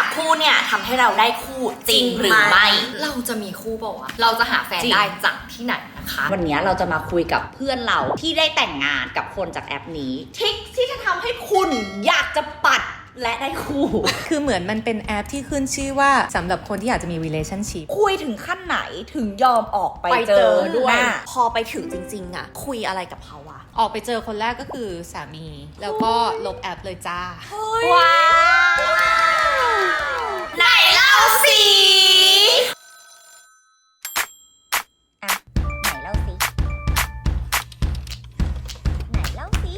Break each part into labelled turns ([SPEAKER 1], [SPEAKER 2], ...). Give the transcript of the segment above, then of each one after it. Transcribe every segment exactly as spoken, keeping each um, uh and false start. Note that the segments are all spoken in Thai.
[SPEAKER 1] คู่เนี่ยทำให้เราได้คู่จริงหรือไม่
[SPEAKER 2] เราจะมีคู่เปล่าวะเราจะหาแฟนได้จากที่ไหนนะคะ
[SPEAKER 1] วันนี้เราจะมาคุยกับเพื่อนเราที่ได้แต่งงานกับคนจากแอปนี้ทริคที่จะทำให้คุณอยากจะปัดและได้คู่
[SPEAKER 3] คือเหมือนมันเป็นแอปที่ขึ้นชื่อว่าสำหรับคนที่อยากจะมี relationship
[SPEAKER 1] คุยถึงขั้นไหนถึงยอมออกไปเจอด้วยพอไปถึงจริงๆอ่ะคุยอะไรกับเขาวะ
[SPEAKER 3] ออกไปเจอคนแรกก็คือสามีแล้วก็ลบแอปเลยจ้า
[SPEAKER 1] ว้าวไหนเล่าสิอ่ะไหนเล่าสิไหนเล่าสิ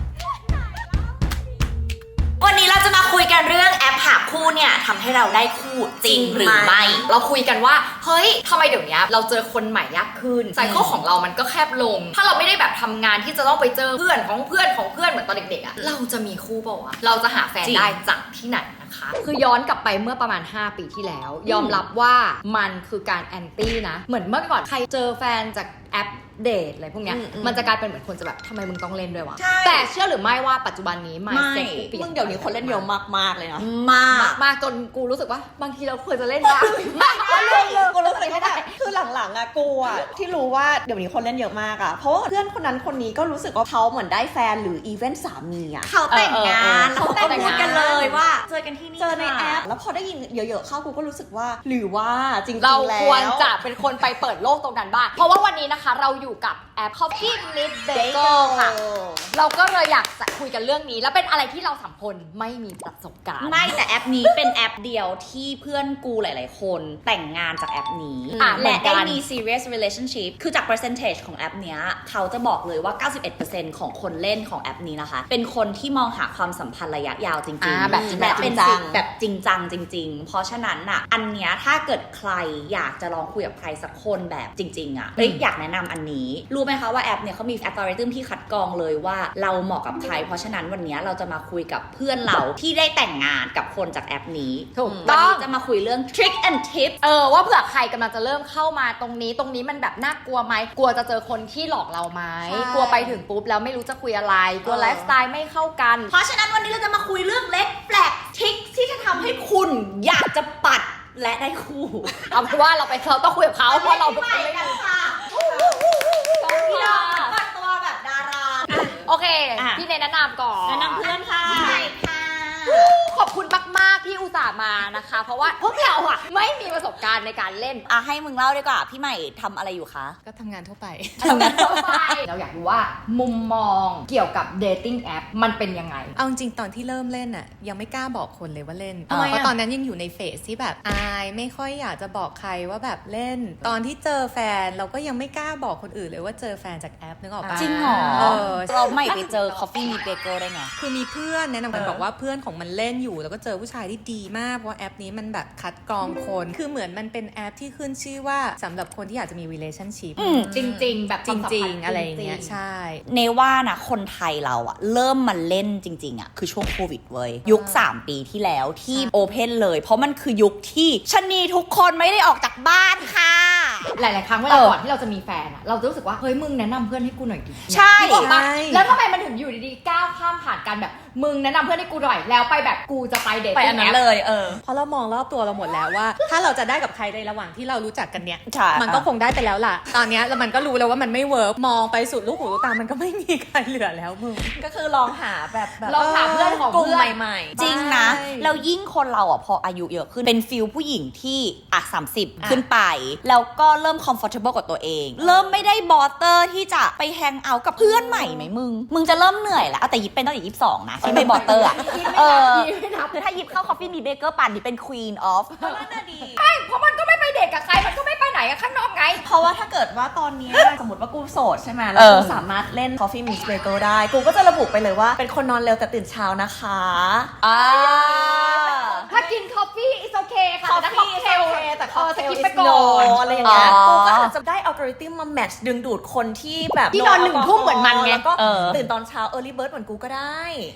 [SPEAKER 1] วันนี้เราจะมาคุยกันเรื่องแอปหาคู่เนี่ยทำให้เราได้คู่จริงหรือไม่
[SPEAKER 2] เราคุยกันว่าเฮ้ยทำไมเดี๋ยวนี้เราเจอคนใหม่ยากขึ้นไซเคิลของเรามันก็แคบลงถ้าเราไม่ได้แบบทำงานที่จะต้องไปเจอเพื่อนของเพื่อนของเพื่อนเหมือนตอนเด็กๆอ่ะเราจะมีคู่เปล่าวะเราจะหาแฟนได้จากที่ไหนนะคะคือย้อนกลับไปเมื่อประมาณห้าปีที่แล้วยอมรับว่ามันคือการแอนตี้นะเหมือนเมื่อก่อนใครเจอแฟนจากแอปเดทอะไรพวกเนี้ยมันจะกลายเป็นเหมือนคนจะแบบทำไมมึงต้องเล่นด้วยวะแต่เชื่อหรือไม่ว่าปัจจุบันนี้ไม่
[SPEAKER 1] มึงเดี๋ยวนี้คนเล่นเยอะมากๆเลยนะ
[SPEAKER 2] มากมากจนกูรู้สึกว่าบางทีเราควรจะเล่นบ้าง
[SPEAKER 1] ไม่เลยกูรู้สึกว่าคือหลังๆอะกูอะที่รู้ว่าเดี๋ยวนี้คนเล่นเยอะมากอะเพราะว่าเพื่อนคนนั้นคนนี้ก็รู้สึกว่าเขาเหมือนได้แฟนหรืออีเวนต์สามีอะเขาแต่งงานเขาแต่งงานกันเลยว่าเจอกันที่นี่เจอในแอปแล้วพอได้ยินเยอะๆเข้ากูก็รู้สึกว่าหรือว่าจริงๆแล้ว
[SPEAKER 2] เราควรจะเป็นคนไปเปิดโลกตรงนั้นบ้างเพราะว่าวันนี้นะคะเราอยู่กับแอป Coffee Meets Bagel ค่ะเราก็เลยอยากจะคุยกันเรื่องนี้แล้วเป็นอะไรที่เราสามคนไม่มีประสบการณ์
[SPEAKER 1] ไม่แต่แอปนี้เป็นแอปเดียวที่เพื่อนกูหลายๆคนแต่งงานจากแอปนี้และได้มี serious relationship คือจาก percentage ของแอปเนี้ยเขาจะบอกเลยว่า เก้าสิบเอ็ดเปอร์เซ็นต์ ของคนเล่นของแอปนี้นะคะเป็นคนที่มองหาความสัมพันธ์ระยะยาวจริงๆ
[SPEAKER 2] แบบจริง
[SPEAKER 1] จังแบบจริงจังจริงๆเพราะฉะนั้นน่ะอันเนี้ยถ้าเกิดใครอยากจะลองคุยกับใครสักคนแบบจริงๆอ่ะเอ้ยอยากแนะนำอันนี้รู้ไหมคะว่าแอปเนี่ยเขามี algorithm ที่คัดกรองเลยว่าเราเหมาะกับใครเพราะฉะนั้นวันนี้เราจะมาคุยกับเพื่อนเราที่ได้แต่งงานกับคนจากแอปนี้
[SPEAKER 2] ถูกต้อง
[SPEAKER 1] วันนี้จะมาคุยเรื่อง trick and tips
[SPEAKER 2] เออว่าเผื่อใครกำลังจะเริ่มเข้ามาตรงนี้ตรงนี้มันแบบน่ากลัวไหมกลัวจะเจอคนที่หลอกเราไหมกลัวไปถึงปุ๊บแล้วไม่รู้จะคุยอะไรกลัวไลฟ์สไตล์ไม่เข้ากัน
[SPEAKER 1] เพราะฉะนั้นวันนี้เราจะมาคุยเรื่องเล็กแปลกทริคที่จะทำให้คุณอยากจะปัดและได้คู่
[SPEAKER 2] เอาเป็นว่าเราไปเราต้องคุยกับเขาเพราะเราเป็นคนเล่น
[SPEAKER 1] ค่ะพี่น้องปัดตัวแบบดารา
[SPEAKER 2] โอเคพี่เนแนะนำก่อน
[SPEAKER 1] แนะนำเพื่อนค่ะใช่ค่ะ
[SPEAKER 2] ขอบคุณมากๆที่อุตส่าห์มานะคะเพราะว่าพวกเราอะไม่มีประสบการณ์ในการเล่น
[SPEAKER 1] อ่ะให้มึงเล่าดีกว่าพี่ใหม่ทำอะไรอยู่คะ
[SPEAKER 3] ก็ทำงานทั่วไป
[SPEAKER 2] ทำงานทั่วไปเราอยากรู้ว่ามุมมองเกี่ยวกับเดทติ้งแอปมันเป็นยังไง
[SPEAKER 3] เอาจริงตอนที่เริ่มเล่นอะยังไม่กล้าบอกคนเลยว่าเล่นเพราะตอนนั้นยังอยู่ในเฟสที่แบบอายไม่ค่อยอยากจะบอกใครว่าแบบเล่นตอนที่เจอแฟนเราก็ยังไม่กล้าบอกคนอื่นเลยว่าเจอแฟนจากแอปนึกออกปะ
[SPEAKER 1] จริงเหรอเราไม่ไปเจอ Coffee Meets Bagel ได้ไง
[SPEAKER 3] คือมีเพื่อนแนะนำกันบอกว่าเพื่อนของมันเล่นอยู่แล้วก็เจอผู้ชายที่ดีมากเพราะแอปนี้มันแบบคัดกรองคนคือเหมือนมันเป็นแอปที่ขึ้นชื่อว่าสำหรับคนที่อยากจะมี relationship
[SPEAKER 2] จริงๆแบบ
[SPEAKER 3] จริงๆอะไรอย่างเงี้ยใช่
[SPEAKER 1] เนว่านะคนไทยเราอะเริ่มมาเล่นจริงๆอะคือช่วงโควิดเว้ยยุคสามปีที่แล้วที่โอเพนเลยเพราะมันคือยุคที่ชะนีทุกคนไม่ได้ออกจากบ้านค่ะ
[SPEAKER 2] หลายๆครั้งเวลาก่อนที่เราจะมีแฟนอะเราจะรู้สึกว่าเฮ้ยมึงแนะนำเพื่อนให้กูหน่อยดิ
[SPEAKER 1] ใช่
[SPEAKER 2] แล้วทำไมมันถึงอยู่ดีๆก้าวข้ามผ่านกันแบบมึงแนะนำเพื่อนให้กูหน่อยแล้วไปแบบกูจะไปเดท
[SPEAKER 1] ไปอันนั้นเลยเออ
[SPEAKER 3] เพราะเรามองรอบตัวเราหมดแล้วว่าถ้าเราจะได้กับใครในระหว่างที่เรารู้จักกันเนี้ย มันก็คงได้ไปแล้วล่ะตอนนี้แล้วมันก็รู้แล้วว่ามันไม่เวิร์กมองไปสุดลูกหูลูกตามันก็ไม่มีใครเหลือแล้วมึง
[SPEAKER 1] ก็คือลองหาแบบ
[SPEAKER 2] ลองหาเพื่อนของเพื่อน
[SPEAKER 1] ใหม่ๆจริงนะแล้วยิ่งคนเราอ่ะพออายุเยอะขึ้นเป็นฟิลผู้หญิงที่อ่ะสามสิบขึ้นไปแล้วก็เริ่ม comfortable กับตัวเองเริ่มไม่ได้บอเตอร์ที่จะไปแฮงเอาท์กับเพื่อนใหม่ไหมมึงมึงจะเริ่มเหนื่อยแล้วแต่ยิบเป็นตั้งแต่ยี่สิบสองนะที่ไม่บอเตอร์อ่ะเออคือถ้ายิบเข้า Coffee Meets Bagel ป่านนี้เป็น Queen of ก็น่าดี
[SPEAKER 2] ใช่เพราะมันก็ไม่ไปเดทกับใครมันก็ไม่ไปไหนกับข้างนอกไง
[SPEAKER 1] เพราะว่าถ้าเกิดว่าตอนนี้สมมติว่ากูโสดใช่ไหมแล้วกูสามารถเล่น Coffee Meets Bagel ได้กูก็จะระบุไปเลยว่าเป็นคนนอนเร็วแต่ตื่นเช้านะคะ
[SPEAKER 2] อ่าถ้ากิน coffee is okay ค่ะแต่ cocktail
[SPEAKER 1] แต่ cocktail is no อะไรอย่างเงี้ยกูก็อาจจะได้ algorithm มา match ดึงดูดคนที่แบบ
[SPEAKER 2] ที่นอนหนึ่งทุ่มเหมือนมันไง
[SPEAKER 1] แล้วก็ตื่นตอนเช้า early bird เหมือนกูก็ได้
[SPEAKER 2] ก็จ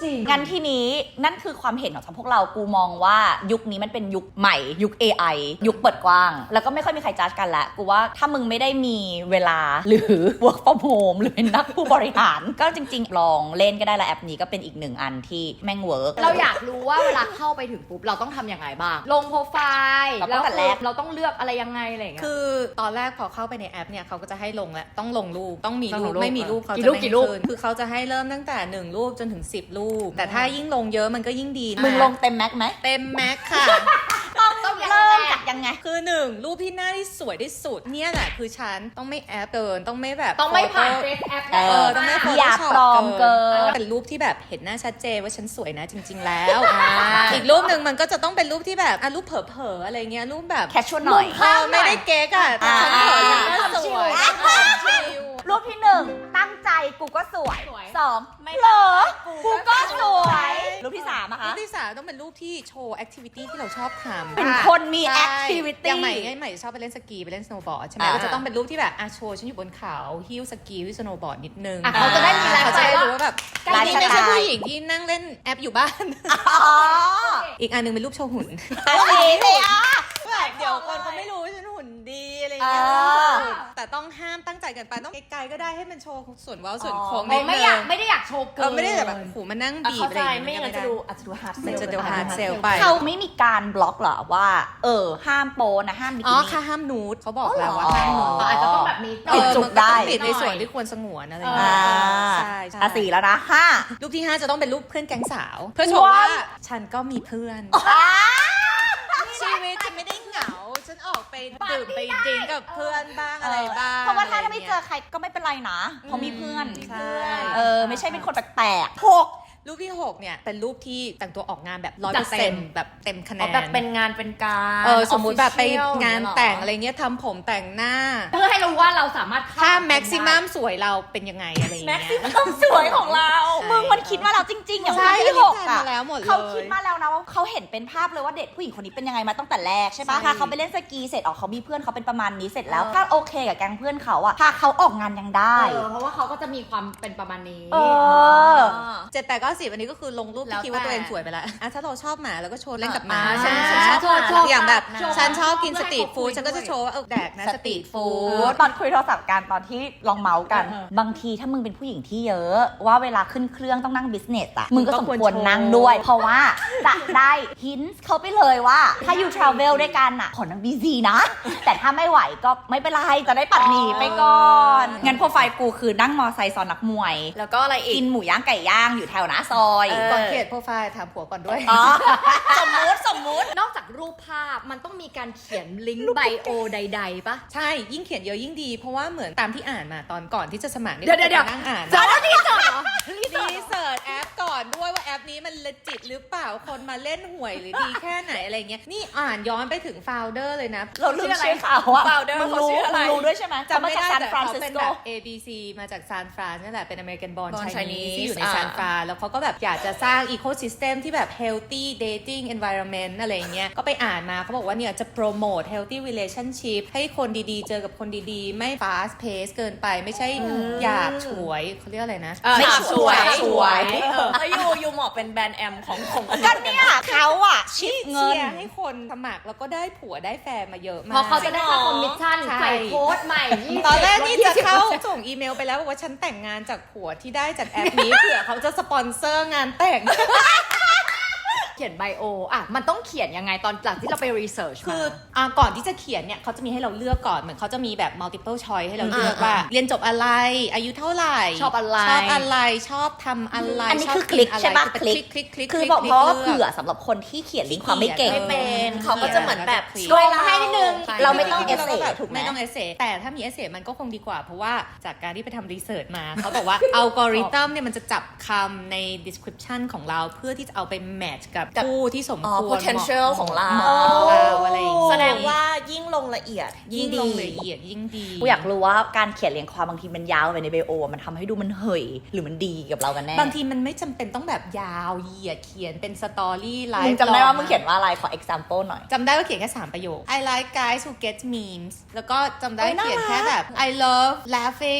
[SPEAKER 2] จริง
[SPEAKER 1] งั้นทีนี้นั่นคือความเห็นของพวกเรากูมองว่ายุคนี้มันเป็นยุคใหม่ยุค เอ ไอ ยุคเปิดกว้างแล้วก็ไม่ค่อยมีใครจัดกันละกูว่าถ้ามึงไม่ได้มีเวลาหรือ work from home หรือเป็นนักผู้บริหาร ก็จริงๆลองเล่นก็ได้ละแอปนี้ก็เป็นอีกหนึ่งอันที่แม่งเวิร์ก
[SPEAKER 2] เราอยากรู้ว่าเวลาเข้าไปถึงปุ๊บเราต้องทำยังไงบ้างลงโปรไฟล์
[SPEAKER 1] เราต้
[SPEAKER 2] แล้
[SPEAKER 1] อง
[SPEAKER 2] ว
[SPEAKER 1] แต่แรก
[SPEAKER 2] เราต้องเลือกอะไรยังไงอะไรอย่างเงี้ย
[SPEAKER 3] คือตอนแรกพอเข้าไปในแอปเนี่ยเขาก็จะให้ลงแล้วต้องลงรูปต้องมี
[SPEAKER 2] ต้อง
[SPEAKER 3] รู
[SPEAKER 2] ล
[SPEAKER 3] ป
[SPEAKER 2] งรูป
[SPEAKER 3] ไม่มีรูปเขา
[SPEAKER 2] กี่
[SPEAKER 3] จะ
[SPEAKER 2] รูป
[SPEAKER 3] ไม่
[SPEAKER 2] กี่รูป
[SPEAKER 3] ขึ้นคือเขาจะให้เริ่มตั้งแต่หนึ่งรูปจนถึงสิบรูป แต่ถ้ายิ่งลงเยอะมันก็ยิ่งดีนะ
[SPEAKER 1] มึงลงเต็มแม็กไหม
[SPEAKER 3] เต็มแม็กค่ะ
[SPEAKER 1] ต้องเริ่มจากยังไง
[SPEAKER 3] คือหนึ่งรูปที่หน้าที่สวยที่สุดเนี่ยแหละคือฉันต้องไม่แอปเกินต้องไม่แบบ
[SPEAKER 2] ต้องไม่ผ่าน
[SPEAKER 3] โฟ
[SPEAKER 2] เฟ
[SPEAKER 3] โต้
[SPEAKER 2] ซแอป
[SPEAKER 1] เอ
[SPEAKER 3] เออต้องไม่
[SPEAKER 1] อย่า
[SPEAKER 3] Photoshop
[SPEAKER 1] ปลอมเกิน
[SPEAKER 3] เป็นรูปที่แบบเห็นหน้าชัดเจนว่าฉันสวยนะจริง ๆ แล้วอีกรูปหนึ่งมันก็จะต้องเป็นรูปที่แบบอ่ะรูปเผลอๆอะไรเงี้ยรูปแบบ
[SPEAKER 1] แคชชวลหน่อย
[SPEAKER 3] เออไม่ได้เก๊กอ่ะแต่ฉันเผลอฉันก็สวย
[SPEAKER 1] อ่า
[SPEAKER 3] ชิล
[SPEAKER 1] รูปที่หนึ่งตั้งใจกูก็สวย
[SPEAKER 2] สวย
[SPEAKER 1] สองไม่เหรอกูก็สวยรูปที่สามอะ
[SPEAKER 3] รู
[SPEAKER 1] คะ
[SPEAKER 3] ปที่สามต้องเป็นรูปที่โชว์แอคทิวิตี้ที่เราชอบทำ
[SPEAKER 1] เป็นคนมี
[SPEAKER 3] ใช่
[SPEAKER 1] แอคทิวิ
[SPEAKER 3] อ
[SPEAKER 1] ตี้
[SPEAKER 3] ย่างใหม่ไงใหม่ชอบไปเล่นสกีไปเล่นสโนว์บอร์ดใช่ไหม
[SPEAKER 1] อ่า
[SPEAKER 3] ก็จะต้องเป็นรูปที่แบบอ่ะโชว์ฉันอยู่บนเขาฮิ้วสกีฮิ้วสโนว์บอร์ดนิดนึง
[SPEAKER 2] อ่ะเขาจะได้มีไลฟ์
[SPEAKER 3] เขา
[SPEAKER 2] สไต
[SPEAKER 3] จะ
[SPEAKER 2] ล์
[SPEAKER 3] ได้
[SPEAKER 2] ว่า
[SPEAKER 3] รู้ว่าแบบ
[SPEAKER 1] ไลฟ์
[SPEAKER 3] นี่
[SPEAKER 1] สไตล์
[SPEAKER 3] ไม่ใช่ผู้หญิงที่นั่งเล่นแอปอยู่บ้าน
[SPEAKER 1] อ๋อ
[SPEAKER 3] อีกอันหนึงเป็นรูปโชว์หุ่น
[SPEAKER 1] สีเลยอ่ะ
[SPEAKER 3] แบบเดี๋ยวคนเขาไม่รู้ว่าฉันหุ่นดีอะไรอย่างเงี้ย
[SPEAKER 1] เออ
[SPEAKER 3] แต่ต้องห้ามตั้งใจเกันไปต้องไกลๆก็ได้ให้มันโชว์ส่วนเว้าส่วน
[SPEAKER 1] อ๋อ
[SPEAKER 3] โค้ง
[SPEAKER 2] เราไม่อยาก
[SPEAKER 3] นิดนึง
[SPEAKER 2] ไม่ได้อยากโชว์เกิ
[SPEAKER 3] เออไม่ได้แบบโอ้โหมานั่งบีบ
[SPEAKER 4] เข้า
[SPEAKER 3] อะไร
[SPEAKER 4] ใจ
[SPEAKER 3] อย่าง
[SPEAKER 4] ไม่
[SPEAKER 3] เงี้ย
[SPEAKER 4] งั้นจะดูอาจจะดูฮาร์ดเซล
[SPEAKER 3] มันจะดูฮาร์ดเซลไป
[SPEAKER 1] เขาไม่มีการบล็อกเหรอว่า เออ ห้ามโปนะห้ามบิ
[SPEAKER 3] อ๋
[SPEAKER 1] กิ
[SPEAKER 3] อ
[SPEAKER 1] นี่
[SPEAKER 3] ค่ะห้ามนูดเขาบอก
[SPEAKER 1] อ๋อ
[SPEAKER 3] แล้วว่า
[SPEAKER 1] เหรอ
[SPEAKER 3] ห้ามนูด
[SPEAKER 2] อาจจะต้องแบบมี
[SPEAKER 1] ปิดจุกได้
[SPEAKER 3] เออมันก็ต้องปิดในส่วนที่ควรสงวนอะไรอย่าง
[SPEAKER 1] อ่า
[SPEAKER 3] เงี้ยใช่ใช่
[SPEAKER 1] อ่ะสี่แล้วนะห้า
[SPEAKER 3] รูปที่ห้าจะต้องเป็นรูปเพื่อนแก๊งสาว เพื่อโชว์ว่า
[SPEAKER 1] ว้าว
[SPEAKER 3] ฉันก็มีเพื่อน
[SPEAKER 1] อ่า
[SPEAKER 3] ชีวิตฉันไม่ได้เหงา ฉันออกไปดื่มไปดื่มกับเพื่อนบ้างอะไรบ้าง
[SPEAKER 1] เพราะว่าถ้าไม่เจอ
[SPEAKER 3] ะร
[SPEAKER 1] ใครก็ไม่เป็นไรนะเพราะมีเพื่อน
[SPEAKER 3] ย่างเงี้ยใช่
[SPEAKER 1] เออ ไม่ใช่เป็นคนแปลกๆหก
[SPEAKER 3] รูปที่หกเนี่ยเป็นรูปที่แต่งตัวออกงานแบบร้อย
[SPEAKER 4] จั
[SPEAKER 3] เปอ
[SPEAKER 4] ด
[SPEAKER 3] ร์
[SPEAKER 4] เต็
[SPEAKER 3] เซ็น
[SPEAKER 4] ม
[SPEAKER 3] ต์แบบเต็มคะแน
[SPEAKER 4] อ๋อน แบบเป็นงานเป็นการ
[SPEAKER 3] เออสมมุติแบบไป
[SPEAKER 4] official
[SPEAKER 3] งาน
[SPEAKER 4] อย่เยเหรอ
[SPEAKER 3] แต่งอะไรเงี้ยทำผมแต่งหน้า
[SPEAKER 2] เพื่อให้รู้ว่าเราสามารถเข้
[SPEAKER 3] ถ้า
[SPEAKER 2] ไป
[SPEAKER 3] แม็กซิมัม
[SPEAKER 2] ได้
[SPEAKER 3] สวยเราเป็นยังไงอะไรอย่าง
[SPEAKER 4] แม็
[SPEAKER 3] เงี้
[SPEAKER 4] ก
[SPEAKER 3] ย
[SPEAKER 4] ซิมัมสวยของเรา
[SPEAKER 1] มึงมันคิดมาแล้วจริงๆอย่าง
[SPEAKER 3] ใช่
[SPEAKER 1] คนที่หก
[SPEAKER 3] อันนี้
[SPEAKER 1] อ่ะ
[SPEAKER 3] แพลนมาแล้วหมดเลย
[SPEAKER 1] เขาคิดมาแล้วนะว่าเขาเห็นเป็นภาพเลยว่าเด็กผู้หญิงคนนี้เป็นยังไงมาตั้งแต่แรกใช่ปะ
[SPEAKER 3] ใช่
[SPEAKER 1] พาเขาไปเล่นสกีเสร็จออกเขามีเพื่อนเขาเป็นประมาณนี้เสร็จแล้ว ถ้าโอเคกับแก๊งเพื่อนเขาอ่ะพาเขาออกงานยังได้
[SPEAKER 2] เออเพราะว่าเขาก็จะมีความเป็นประมาณนี้
[SPEAKER 1] เออ
[SPEAKER 3] เจ็ดแปดเก้าสิบอันนี้ก็คือลงรูป
[SPEAKER 4] แล้ว
[SPEAKER 3] ที่คิดว่า
[SPEAKER 4] แต่
[SPEAKER 3] ตัวเองสวยไปแล้วอ่ะถ้าเราชอบหมาเราก็โชว์เล่นกับหมา
[SPEAKER 4] อ่า
[SPEAKER 3] ฉัน
[SPEAKER 4] ใช่
[SPEAKER 3] ฉันชอบ
[SPEAKER 4] ชอบ
[SPEAKER 3] อย่างแบบ
[SPEAKER 4] ชอบ
[SPEAKER 3] ฉันชอบกิน
[SPEAKER 2] เพื่
[SPEAKER 3] ส
[SPEAKER 2] อให้
[SPEAKER 3] ตรีท
[SPEAKER 2] เขา
[SPEAKER 3] ฟู้ด
[SPEAKER 2] คุย
[SPEAKER 3] ฉันก็จะ
[SPEAKER 2] ด้วย
[SPEAKER 3] โชว์ว่าเออแดกนะ
[SPEAKER 1] ส
[SPEAKER 3] ส
[SPEAKER 1] ต
[SPEAKER 3] ต
[SPEAKER 1] รี
[SPEAKER 3] รี
[SPEAKER 1] ท
[SPEAKER 3] ท
[SPEAKER 1] ฟู
[SPEAKER 3] ฟู้
[SPEAKER 1] ้
[SPEAKER 3] ด
[SPEAKER 1] ดตอนคุยโทรศัพท์กันตอนที่ลองเมาส์กัน บางทีถ้ามึงเป็นผู้หญิงที่เยอะ ว่าเวลาขึ้นเครื่องต้องนั่งบิสเนสอะมึงก็สมควรนั่งด้วย เพราะว่าจะได้ฮินส์เขาไปเลยว่า ถ้าอยู่ทราเวลด้วยกันอะขอนั่งบีซีนะ แต่ถ้าไม่ไหวก็ไม่เป็นไร จะได้ปัดหนีไปก่อน งั้นโปรไฟล์กูคือนั่งมอไซค์ซ้อนนักมวย
[SPEAKER 4] แล้วก็อะไรอี
[SPEAKER 1] กิ
[SPEAKER 4] ก
[SPEAKER 1] นหมูย่างไก่ย่างอยู่แถวหน้าซอย
[SPEAKER 4] เออ
[SPEAKER 3] ก่อนเขียนโปรไฟล์ถามผัวก่อนด้วย
[SPEAKER 1] อ๋อสมมุติสมมุติ
[SPEAKER 2] นอกจากรูปภาพมันต้องมีการเขียนลิงก์ไบโอใดๆปะ
[SPEAKER 3] ใช่ ยิ่งเขียนเยอะยิ่งดี เพราะว่าเหมือนตามที่อ่านมาตอนก่อนที่จะสมัครนี่
[SPEAKER 2] เดี๋ยวเดี๋ยวเดี๋ยว
[SPEAKER 3] นั่งอ่าน
[SPEAKER 2] เจอแล้วนี่เจอเหรอ
[SPEAKER 3] รีเสิร์ชแอปก่อนด้วยว่าแอปนี้มันเลจิตหรือเปล่าคนมาเล่นหวยหรือดีแค่ไหนอะไรเงี้ยนี่อ่านย้อนไปถึงโฟลเดอร์เลยนะ
[SPEAKER 1] เราลืมชื่อเขาอะ
[SPEAKER 4] Founder
[SPEAKER 1] มึงรู้
[SPEAKER 4] เขาชื่ออะไร
[SPEAKER 1] มึงรู้ด้วยใช่ไหม
[SPEAKER 3] จำไม่ได้
[SPEAKER 1] ซาน
[SPEAKER 3] แต่
[SPEAKER 1] ฟราน
[SPEAKER 3] เขา
[SPEAKER 1] ซิส
[SPEAKER 3] เป็น
[SPEAKER 1] โก
[SPEAKER 3] แบบ เอ บี ซี มาจากซานฟรานนี่แหละเป็นอเมริกันบอล
[SPEAKER 4] Born
[SPEAKER 3] ไชนี
[SPEAKER 4] Chinese
[SPEAKER 3] ที่อยู่ใน
[SPEAKER 4] อ่า
[SPEAKER 3] ซานฟรานแล้วเขาก็แบบอยากจะสร้างอีโคซิสเต็มที่แบบ healthy dating environment อะไรเงี้ยก็ไปอ่านมาเขาบอกว่าเนี่ยจะโปรโมท healthy relationship ให้คนดีๆ เจอกับคนดีๆ ไม่ fast pace เกินไปไม่ใช่อยากฉวยเขาเรียกอะไรนะ
[SPEAKER 4] เออ
[SPEAKER 1] ไม่
[SPEAKER 4] ฉาบ
[SPEAKER 1] สวย
[SPEAKER 4] ฉวย
[SPEAKER 1] สวย
[SPEAKER 4] เออแล้วยูยูเหมาะเป็นแบรนด์แอมของของอัน
[SPEAKER 1] ก็
[SPEAKER 4] นี้
[SPEAKER 1] เนี่ยเขาอะชิปเงิ
[SPEAKER 3] เชี
[SPEAKER 1] น
[SPEAKER 3] ยร์ให้คนสมัครแล้วก็ได้ผัวได้แฟนมาเยอะมาก
[SPEAKER 2] เพราะเขาจะได้ค่าคอมมิชชั่น
[SPEAKER 3] ใช่
[SPEAKER 2] ใส่โค้ดใหม่ยี่สิบ
[SPEAKER 3] ตอนแรกนี่จะเข้า
[SPEAKER 2] ลดยี่สิบ
[SPEAKER 3] ส่งอีเมลไปแล้วบอกว่าฉันแต่งงานจากผัวที่ได้จากแอปนี้ เผื่อเขาจะสปอนเซอร์งานแต่ง
[SPEAKER 2] เขียนไบโออ่ะมันต้องเขียนยังไงตอนหลังที่เราไปรีเสิร์ช
[SPEAKER 3] คื
[SPEAKER 2] มา
[SPEAKER 3] ออ่าก่อนที่จะเขียนเนี่ยเขาจะมีให้เราเลือกก่อนเหมือนเขาจะมีแบบ multiple choice ให้เราเลือก
[SPEAKER 4] อ่า
[SPEAKER 3] ว่า
[SPEAKER 4] อ่า
[SPEAKER 3] เรียนจบอะไร อายุเท่าไหร่
[SPEAKER 2] ชอบอะไร
[SPEAKER 3] ชอบอะไรชอบทำอะไร
[SPEAKER 1] อันนี้
[SPEAKER 3] ชบ
[SPEAKER 1] คือคลิก
[SPEAKER 3] นอะไร
[SPEAKER 1] ใช่ปะ
[SPEAKER 3] คือ
[SPEAKER 1] คลิก
[SPEAKER 3] คลิกคลิก
[SPEAKER 1] คือบอก
[SPEAKER 3] ลิก
[SPEAKER 1] เพราะว่า
[SPEAKER 3] ลืก
[SPEAKER 1] เผื่อสำหรับคนที่เขียนลิงก์ความไม่เก่ง
[SPEAKER 4] ไม่เป็น
[SPEAKER 3] เออ
[SPEAKER 4] เขาก็จะเหมือนแบบ
[SPEAKER 3] เขียน
[SPEAKER 4] ช่วย
[SPEAKER 2] เราให้นิดนึง
[SPEAKER 3] ใช่
[SPEAKER 1] เราไม่ต้อง
[SPEAKER 3] จริๆ
[SPEAKER 1] essay
[SPEAKER 3] ราแบบ
[SPEAKER 1] ถูกไหม
[SPEAKER 3] ไม่ต้องเอเซแต่ถ้ามีเอเซมันก็คงดีกว่า เพราะว่าจากการที่ไปทำรีเสิร์ชมา เขาบอกว่าอัลกอริทึมเนี่ยมันจะจับคำใน description ของเราเพื่อที่จะเอาไปแมทช์กับ
[SPEAKER 4] กับ
[SPEAKER 3] ผู้ที่สม
[SPEAKER 4] อ๋อ
[SPEAKER 3] ควร
[SPEAKER 4] potential ของเรา
[SPEAKER 3] เหมาะกับเราอะไรอย่างงี้
[SPEAKER 4] แสดงว่ายิ่งลงละเอียด
[SPEAKER 3] ยิ่
[SPEAKER 4] ยิ่
[SPEAKER 3] ง
[SPEAKER 4] ง
[SPEAKER 3] ล
[SPEAKER 4] ดี
[SPEAKER 3] งละเอียดยิ่งดี
[SPEAKER 1] กูอยากรู้ว่าการเขียนเรียงความบางทีมันยาวไปในไบโอมันทำให้ดูมันเหยหรือมันดีกับเรากันแน่
[SPEAKER 3] บางทีมันไม่จำเป็นต้องแบบยาวเหยียดเขียนเป็นสตอรี่ไล
[SPEAKER 1] มึง
[SPEAKER 3] ฟ์
[SPEAKER 1] จำได้ว่ามึงเขียนว่าอะไรขอ example หน่อย
[SPEAKER 3] จำได้ว่าเขียนแค่สามประโยค I like guys who get memes แล้วก็จำได้
[SPEAKER 1] โอ้ยน่า
[SPEAKER 3] เขียนแค่
[SPEAKER 1] รัก
[SPEAKER 3] แบบ I love laughing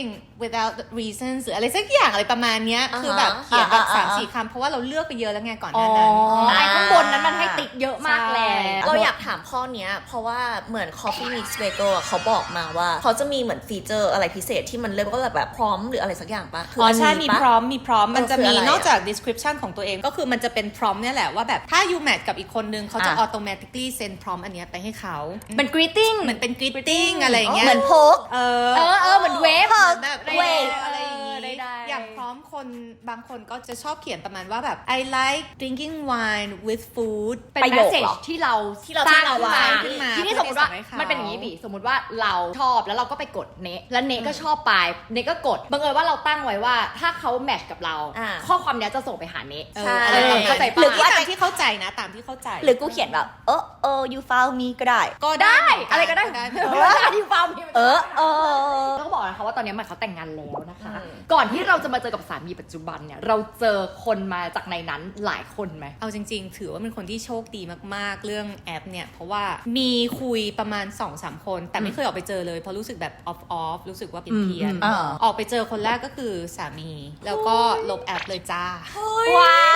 [SPEAKER 3] without reasons หรืออะไรสักอย่างอะไรประมาณเนี้ย
[SPEAKER 4] อ่าฮะ
[SPEAKER 3] คือแบบเขียนแบบ
[SPEAKER 1] อ่า
[SPEAKER 3] สาม
[SPEAKER 1] อ่า
[SPEAKER 3] สี่คำเพราะว่าเราเลือกไปเยอะแล้วไงก่อนห
[SPEAKER 2] อ๋อ
[SPEAKER 3] น้านั้น
[SPEAKER 2] ไอ้ข้างบนนั้นมันให้ติ๊กเยอะมากแล้
[SPEAKER 3] ใช่
[SPEAKER 2] ว
[SPEAKER 4] เราอยากถามข้อเนี้ยเพราะว่าเหมือน Coffee Mix Bagel อะเขาบอกมาว่าเขาจะมีเหมือนฟีเจอร์อะไรพิเศษที่มันเรียกว่าแบบพร้อมหรืออะไรสักอย่างปะคื
[SPEAKER 3] อ๋อ
[SPEAKER 4] อัน
[SPEAKER 3] ใช่
[SPEAKER 4] นี้
[SPEAKER 3] มี
[SPEAKER 4] ปะ
[SPEAKER 3] พร้อมมีพร้อมมันจะมี
[SPEAKER 4] เออคืออะไรอะ
[SPEAKER 3] นอกจาก description ของตัวเองก็คือมันจะเป็นพร้อมเนี่ยแหละว่าแบบถ้า you match กับอีกคนนึงเขาจะ
[SPEAKER 1] อ่ะ
[SPEAKER 3] automatically send พร้อมอันเนี้ยไปให้เขา
[SPEAKER 2] เป็น greeting
[SPEAKER 3] เหมือนเป็น greeting อะไรอย่างเงี้ย
[SPEAKER 1] เหมือนโพก
[SPEAKER 3] เออ
[SPEAKER 2] เออเออเหมือนเวฟ
[SPEAKER 3] เหมือนแบบ
[SPEAKER 1] เวฟ
[SPEAKER 3] อะไรอย่างงี้
[SPEAKER 2] เออได้ๆ
[SPEAKER 3] อย่างพร้อมคนบางคนก็จะชอบเขียนประมาณว่าแบบ I like drinking wine with food
[SPEAKER 2] เป็น
[SPEAKER 1] ประ
[SPEAKER 2] แม
[SPEAKER 1] โย
[SPEAKER 2] ส
[SPEAKER 1] ค
[SPEAKER 2] เซจ
[SPEAKER 1] เหรอ
[SPEAKER 2] ที่เรา
[SPEAKER 4] ที่เรา
[SPEAKER 2] สร้าง
[SPEAKER 4] ที่เรา
[SPEAKER 2] ขึ้นมา
[SPEAKER 4] วาง
[SPEAKER 3] ขึ้นมา
[SPEAKER 2] ทีนี้สมมติว่า
[SPEAKER 3] เพื่อที่จะส่งให้เขา
[SPEAKER 2] มันเป็นอย่างนี้บีสมมติว่าเราชอบแล้วเราก็ไปกดเนะแล้วเนะก็ชอบไปเนะก็กดบังเอิญว่าเราตั้งไว้ว่าถ้าเขาแมทช์กับเรา
[SPEAKER 4] อ่า
[SPEAKER 2] ข้อความเนี้ยจะส่งไปหาเนะ
[SPEAKER 3] เออ
[SPEAKER 4] ใช่
[SPEAKER 3] อะไรประมาณ
[SPEAKER 2] เข้าใจ
[SPEAKER 3] ห
[SPEAKER 2] ปะ
[SPEAKER 3] รือว่าตามที่เข้าใจนะตามที่เข้าใจ
[SPEAKER 1] หรือกูเขียนแบบเออเออ you found me ก็ได้
[SPEAKER 3] ก็
[SPEAKER 2] ได้
[SPEAKER 3] ได้
[SPEAKER 2] อะไรก็ได้
[SPEAKER 3] ได้
[SPEAKER 2] เวลาที่ฟาร์มมี
[SPEAKER 1] เออเออ
[SPEAKER 2] ต้องบอกนะคะว่าตอนนี้มันเขาแต่งงานแล้วนะคะ
[SPEAKER 4] อืม
[SPEAKER 2] ก่อนที่เราจะมาเจอกับสามีปัจจุบันเนี่ยเราเจอคนมาจากในนั้นหลายคนไหม
[SPEAKER 3] เอาจริงๆ ถือว่าเป็นคนที่โชคดีมากๆ เรื่องแอปเนี่ย เพราะว่ามีคุยประมาณ สองสาม คน แต่ไม่เคยออกไปเจอเลยเพราะรู้สึกแบบออฟออฟรู้สึกว่าเพี้ยน
[SPEAKER 1] อืม
[SPEAKER 3] ๆ
[SPEAKER 1] อ่า
[SPEAKER 3] ออกไปเจอคนแรกก็คือสามี แล้วก็ลบแอปเลยจ้า
[SPEAKER 1] ว้าว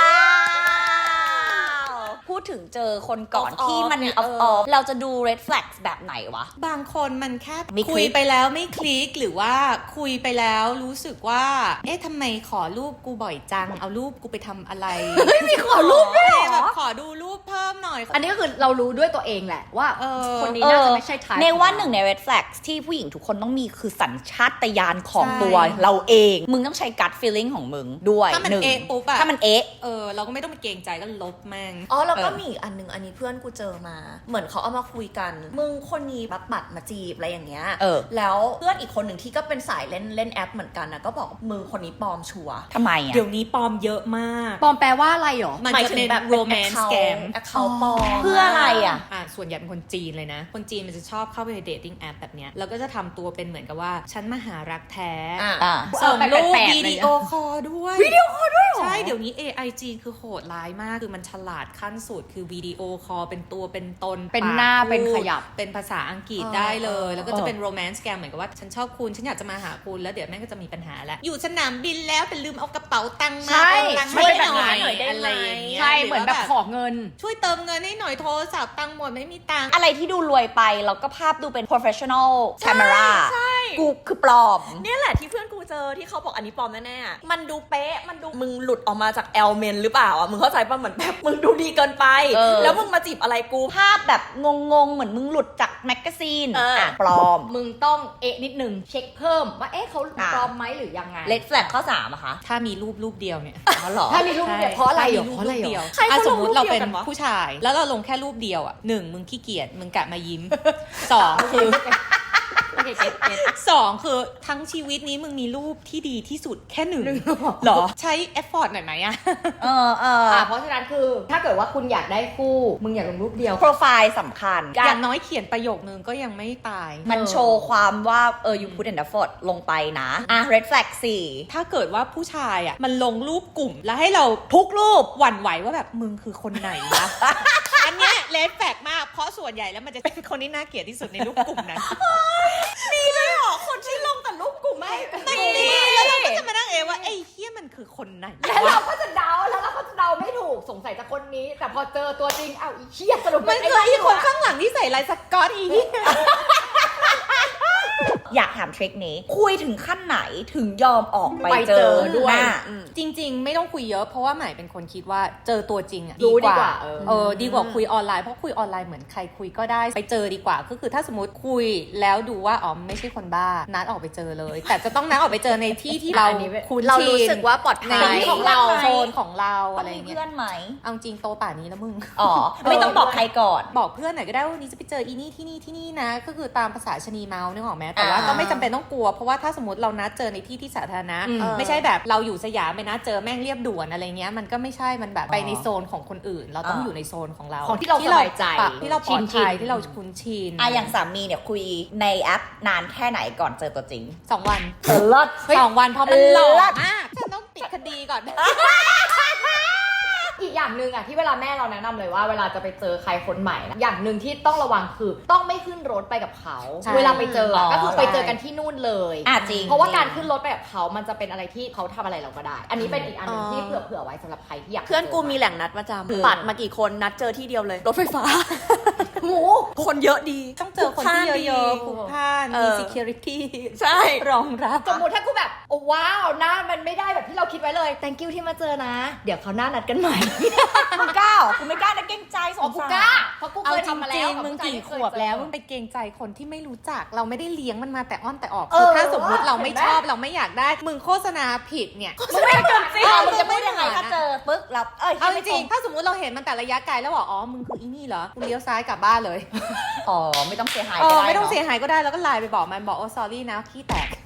[SPEAKER 1] พูดถึงเจอคนก่อน
[SPEAKER 4] Off-off
[SPEAKER 1] ที่มัน
[SPEAKER 4] เนี่ย
[SPEAKER 1] ออฟ
[SPEAKER 4] เอ
[SPEAKER 1] อ
[SPEAKER 4] อ
[SPEAKER 1] อฟเราจะดู red flags แบบไหนวะ
[SPEAKER 3] บางคนมันแค่
[SPEAKER 1] ไม่คลิก
[SPEAKER 3] คุยไปแล้วไม่คลิกหรือว่าคุยไปแล้วรู้สึกว่า เอ๊ะทำไมขอรูปกูบ่อยจัง เอารูปกูไปทำอะไร
[SPEAKER 2] มีขอรูปด้วยเหรอ
[SPEAKER 3] แบบขอดูรูปเพิ่มหน่อย
[SPEAKER 2] อันนี้ก็คือเรารู้ด้วยตัวเองแหละว่า
[SPEAKER 3] เออ
[SPEAKER 2] คนนี้น่าจะไม่ใช่ทาย
[SPEAKER 1] ในว่าหนึ่งใน red flags ที่ผู้หญิงทุกคนต้องมีคือสัญชาตญาณของ
[SPEAKER 3] ใช่
[SPEAKER 1] ตัวเราเอง มึงต้องใช้ gut feeling ของมึงด้วย
[SPEAKER 3] ถ้ามัน
[SPEAKER 1] หนึ่ง
[SPEAKER 3] เอ๊ะปุ๊บอะ
[SPEAKER 1] ถ้ามันเอ๊ะ
[SPEAKER 3] เออเราก็ไม่ต้องไปเกรงใจก็ลบแม่ง
[SPEAKER 4] อ๋อแล้วก็
[SPEAKER 1] เออ
[SPEAKER 4] มีอีกอันนึงอันนี้เพื่อนกูเจอมา เหมือนเขาเอามาคุยกัน มึงคนนี้บัตบัตรมาจีบอะไรอย่างเงี้ย
[SPEAKER 1] เออ
[SPEAKER 4] แล้วเพื่อนอีกคนหนึ่งที่ก็เป็นสายเล่นเล่นแอปเหมือนกันนะก็บอกมึงคนนี้ปลอมชัวร์
[SPEAKER 1] ทำไมอ่ะ
[SPEAKER 3] เดี๋ยวนี้ปลอมเยอะมาก
[SPEAKER 2] ปลอมแปลว่าอะไรหรอ
[SPEAKER 3] มัน
[SPEAKER 4] หมาย
[SPEAKER 3] จะ
[SPEAKER 4] ถึง
[SPEAKER 3] เป็น
[SPEAKER 4] แบบ
[SPEAKER 3] romance scam
[SPEAKER 4] แอคเคาท์ปลอม
[SPEAKER 1] เพื่ออะไรอ่ะ
[SPEAKER 3] อ่าส่วนใหญ่เป็นคนจีนเลยนะ คนจีนมันจะชอบเข้าไปใน dating app แบบเนี้ยแล้วก็จะทำตัวเป็นเหมือนกับว่า ฉันมาหารักแท้
[SPEAKER 4] อ่ะ
[SPEAKER 1] อ่ะ
[SPEAKER 3] ส่งรูป
[SPEAKER 2] แปลกๆ
[SPEAKER 3] วิดีโอคอลด้วย
[SPEAKER 2] วิดีโอคอลด้วยเหรอ
[SPEAKER 3] ใช่ เดี๋ยวนี้ เอ ไอ จีนคือโหดร้ายมาก คือมันฉลาดขั้นสุด คือวิดีโอคอลเป็นตัวเป็นตน
[SPEAKER 2] เป็นหน้า
[SPEAKER 3] ปกพูด
[SPEAKER 2] เป็นขยับ
[SPEAKER 3] เป็นภาษาอังกฤษ
[SPEAKER 4] เออ
[SPEAKER 3] ได้เลย
[SPEAKER 4] เออ
[SPEAKER 3] แล้วก็จะเป็น romance scam เหมือนกับว่าฉันชอบคุณ ฉันอยากจะมาหาคุณ แล้วเดี๋ยวแม่งก็จะมีปัญหาแล้ว อยู่สนามบินแล้วแต่ลืมเอากระเป๋าตังค์มา
[SPEAKER 2] ใช่
[SPEAKER 3] เอาตังค์
[SPEAKER 2] มันเป็นแบบนั้น
[SPEAKER 3] หน่อยอะไรอย่างเงี้ย
[SPEAKER 2] ใช่เหมือนแบบขอเงิน
[SPEAKER 3] ช่วยเติมเงินให้หน่อยโทรศัพท์ตังค์หมดไม่มีตังค์
[SPEAKER 1] อะไรที่ดูรวยไปแล้วก็ภาพดูเป็น professional camera
[SPEAKER 4] ใช่
[SPEAKER 1] กูคือปลอม
[SPEAKER 4] เนี่ยแหละที่เพื่อนกูเจอที่เขาบอกอันนี้ปลอมแน่ๆอะมันดูเป๊ะ มันดูมึงหลุดออกมาจากแอลเมนหรือเปล่าอ่ะ มึงเข้าใจป่ะเหมือนแบบมึงดูดีเกินไป
[SPEAKER 1] เออ
[SPEAKER 4] แล้วมึงมาจีบอะไรกู
[SPEAKER 1] ภาพแบบงงๆ เหมือนมึงหลุดจากแมกกาซีน
[SPEAKER 4] เอออ่
[SPEAKER 1] ะปลอม
[SPEAKER 2] มึงต้องเอะนิดนึงเช็คเพิ่มว่าเอ๊ะเขา
[SPEAKER 1] อ่ะ
[SPEAKER 2] ปลอมไหมหรือยังไง
[SPEAKER 1] red flag ข้อสามอะคะ
[SPEAKER 3] ถ้ามีรูปรูปเดียวเนี่ย
[SPEAKER 1] อ๋อเหรอ
[SPEAKER 2] ถ้ามีรูปเนี่ยเพราะอะไรเหรอ
[SPEAKER 3] ถ้ามี
[SPEAKER 2] เพราะอะไร
[SPEAKER 3] ป
[SPEAKER 2] เหร
[SPEAKER 3] เดียว
[SPEAKER 2] อ
[SPEAKER 4] ใครเขา
[SPEAKER 3] อ่ะสมมติเราเป็น
[SPEAKER 4] ลงรูปเดียวกันวะ
[SPEAKER 3] ผู้ชาย แล้วเราลงแค่รูปเดียวอ่ะหนึ่งมึงขี้เกียจมึงกะมายิ้ม สองคือ
[SPEAKER 2] โอเคเก็ตเก็ต
[SPEAKER 3] สองคือทั้งชีวิตนี้มึงมีรูปที่ดีที่สุดแค่หนึ่งเหรอ ใช้เอฟฟอร์ตหน่อยไหมอะ
[SPEAKER 1] เออเออ
[SPEAKER 2] อ่ะเพราะฉะนั้นคือถ้าเกิดว่าคุณอยากได้คู่ มึงอยากลงรูปเดียว
[SPEAKER 1] โปรไฟล์สำคัญ
[SPEAKER 3] อย่างน้อยเขียนประโยคนึงก็ยังไม่ตาย
[SPEAKER 1] มันโชว์ความว่าเออ you put an effort ลงไปนะ อ่ะ red flag สี่
[SPEAKER 3] ถ้าเกิดว่าผู้ชายอ่ะมันลงรูปกลุ่มแล้วให้เราทุกรูปหวั่นไหวว่าแบบมึงคือคนไหนวะ อันเนี้ยเลดแฟกมากเพราะส่วนใหญ่แล้วมันจะเป็นคนที่น่าเกลียดที่สุดในรูปกลุ่มนั้น
[SPEAKER 4] คนที่ลงแต่รูปกูไม่
[SPEAKER 3] ไม่ดีแล้วเราก็จะมานั่งเองว่าไอ้เฮี้ยมันคือคนไหน
[SPEAKER 2] แล้วเราก็จะเดาแล้วเราก็จะเดาไม่ถูกสงสัยจากคนนี้ แต่พอเจอตัวจริงเอ้าอีเชี่ยสรุป
[SPEAKER 3] มันคือไอ้คนข้างหลังที่ใส่ลายสก๊อตอีนี่
[SPEAKER 1] อยากถามทริคนี้ คุยถึงขั้นไหนถึงยอมออกไป
[SPEAKER 2] ไป
[SPEAKER 1] เจ
[SPEAKER 2] เจ
[SPEAKER 1] อ
[SPEAKER 2] อด้วย
[SPEAKER 1] หน้า
[SPEAKER 3] จริงๆ ไม่ต้องคุยเยอะเพราะว่าหมายเป็นคนคิดว่าเจอตัวจริงอะ
[SPEAKER 2] รู้ดีกว่าเออ
[SPEAKER 3] เออดีกว่าคุยออนไลน์เพราะคุยออนไลน์เหมือนใครคุยก็ได้ไปเจอดีกว่าก็คือถ้าสมมติคุยแล้วดูว่าอ๋อไม่ใช่คนบ้านัดออกไปเจอเลย แต่จะต้องนัดออกไปเจอในที่ที่เรา
[SPEAKER 2] อันนี้
[SPEAKER 3] คุ้น
[SPEAKER 4] เรา
[SPEAKER 3] ชิน
[SPEAKER 4] รู้สึกว่าปลอด
[SPEAKER 3] ใน
[SPEAKER 4] ภัย
[SPEAKER 3] ของเรา
[SPEAKER 1] ไหม
[SPEAKER 3] โซนของเรา
[SPEAKER 1] ต้อ
[SPEAKER 3] อะ
[SPEAKER 1] ง
[SPEAKER 3] ไร
[SPEAKER 1] มี
[SPEAKER 3] เงี้ย
[SPEAKER 1] เพื่อนไหม
[SPEAKER 3] เอาจริงโตป่านนี้แล้วมึง
[SPEAKER 1] อ๋อ ไม่ต้องบอกใครก่อน
[SPEAKER 3] บอกเพื่อนหน่อยก็ได้ว่าวันนี้จะไปเจออีนี่ที่นี่ที่นี่นะ ก็คือตามภาษาชะนีเมาส์นึกออกไหมแต่ว่า
[SPEAKER 1] อ่า
[SPEAKER 3] ก็ไม่จำเป็นต้องกลัวเพราะว่าถ้าสมมติเรานัดเจอในที่ที่สาธารณะ
[SPEAKER 2] อืม
[SPEAKER 3] ไม่ใช่แบบเราอยู่สยามไปนัดเจอแม่งเรียบด่วนอะไรเงี้ยมันก็ไม่ใช่มันแบบไปในโซนของคนอื่น เราต้อง
[SPEAKER 1] อ่า
[SPEAKER 3] อยู่ในโซนของเรา
[SPEAKER 2] ของที่เราสบายใจ
[SPEAKER 3] ปรับที่เราปลอด
[SPEAKER 2] ชิ
[SPEAKER 3] ภัย
[SPEAKER 2] นๆ
[SPEAKER 3] ที่เราคุ้นชิน
[SPEAKER 1] อ่ะอย่างสามีเนี่ยคุยในแอปนานแค่ไหนก่อนเจอตัวจริง
[SPEAKER 3] สองวัน
[SPEAKER 1] เออเลิศ
[SPEAKER 3] สองวันเพราะมันหลอก
[SPEAKER 1] เลิศ
[SPEAKER 3] มากฉันต้องปิดคดีก่อน
[SPEAKER 2] อีกอย่างหนึ่งอ่ะที่เวลาแม่เราแนะนำเลยว่าเวลาจะไปเจอใครคนใหม่นะอย่างหนึ่งที่ต้องระวังคือต้องไม่ขึ้นรถไปกับเขา
[SPEAKER 3] ใช่
[SPEAKER 2] เวลาไปเจออะ
[SPEAKER 1] อ๋อ
[SPEAKER 2] ก็คือไปเจอกันที่นู่นเลย
[SPEAKER 1] อ่ะจริง
[SPEAKER 2] เพราะว่า
[SPEAKER 1] จง
[SPEAKER 2] การขึ้นรถไปกับเขามันจะเป็นอะไรที่เขาทำอะไรเราก็ได้ อันนี้เป็นอีกอันหนึงที่
[SPEAKER 4] อ๋อ
[SPEAKER 2] เผื่อเผื่อไว้สำหรับใครที่อยาก
[SPEAKER 4] เพื่อนกูมีแหล่งนัดประจ
[SPEAKER 1] คือ
[SPEAKER 4] ำปัดมากี่คนนัดเจอที่เดียวเลย รถไฟฟ้า หมูคนเยอะดี
[SPEAKER 3] ต้องเจอคนที่เยอะๆผูกผ้าน
[SPEAKER 4] เอ
[SPEAKER 3] มี
[SPEAKER 4] อ
[SPEAKER 3] security
[SPEAKER 4] ใช่
[SPEAKER 3] รองรับ
[SPEAKER 2] สมมติถ้ากูแบบโอ้ว้าวหน้ามันไม่ได้แบบที่เราคิดไว้เลย thank you ที่มาเจอนะ เดี๋ยวเขาวหน้านัดกันใหม่
[SPEAKER 1] มึงกล้าเหรอกูไม่กล้านะเกรงใจส
[SPEAKER 2] อ๋อง กู
[SPEAKER 1] สาร
[SPEAKER 2] กล้าเพราะกู
[SPEAKER 3] เอา
[SPEAKER 2] เคย
[SPEAKER 3] จ
[SPEAKER 2] ทำมาแล้
[SPEAKER 3] ริ
[SPEAKER 2] ว
[SPEAKER 3] งๆมึงกี่ขวบแล้วมึงไปเกรงใจคนที่ไม่รู้จัก เราไม่ได้เลี้ยงมันมาแต่อ้อนแต่ออก
[SPEAKER 2] เอ
[SPEAKER 3] คือ
[SPEAKER 2] อ
[SPEAKER 3] ถ้าสมมติเราไม่
[SPEAKER 2] เห็นไหม
[SPEAKER 3] ชอบเราไม่อยากได้ มึงโฆษณาผิดเนี่ย
[SPEAKER 1] มึงไม่เกินจริง
[SPEAKER 3] เออ
[SPEAKER 1] มึงจะพูดยังไง
[SPEAKER 3] มึงจะพูดยังไง
[SPEAKER 1] ถ้าเจอปึ๊กแล้วเอ้ย
[SPEAKER 3] เอาจริงๆถ้าสมมติเราเห็นมันแต่ระยะไกลแล้วบอกอ๋อมึงคืออีนี่เหรอกูเลี้ยวซ้ายกลับบ้านเลย
[SPEAKER 1] อ๋อไม่ต้องเสียหาย
[SPEAKER 3] เอ
[SPEAKER 1] ก็
[SPEAKER 3] อ
[SPEAKER 1] ได้
[SPEAKER 3] ไม่ต้อง
[SPEAKER 1] เนาะ
[SPEAKER 3] เสียหายก็ได้แล้วก็ไลน์ไปบอกมันบอกโอ้ sorry นะขี้แตก